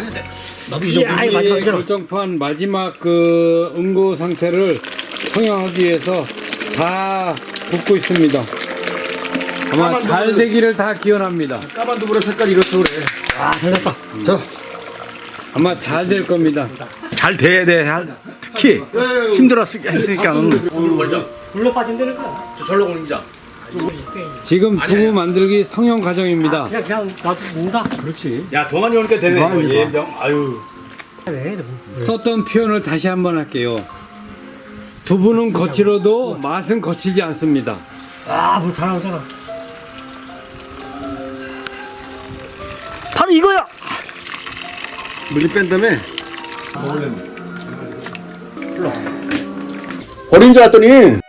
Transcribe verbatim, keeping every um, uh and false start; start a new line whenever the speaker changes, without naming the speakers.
해야 돼. 나도 이 정도.
아이, 마지막
이 결정판 마지막 그 응고 상태를 성형하기 위해서 다 붓고 있습니다. 아마 잘 되기를 다 기원합니다.
까만 두부의 색깔이 이렇소 그래.
아, 살렸다.
자,
아마 잘 될 겁니다.
잘 돼야 돼. 특히 힘들었으니까.
오늘 멀자.
불러 빠진다는 거야.
저 절로 옮기자.
지금 두부 만들기 성형 과정입니다.
그냥, 그냥 놔둔다.
그렇지.
야 동안이 오니까 되네.
동안이
뭐 예병. 아유.
그래.
썼던 표현을 다시 한번 할게요. 두부는 거칠어도 맛은 거칠지 않습니다.
아, 뭐 잘 나오잖아. 바로 이거야.
물이 뺀 다음에
버린 줄 알았더니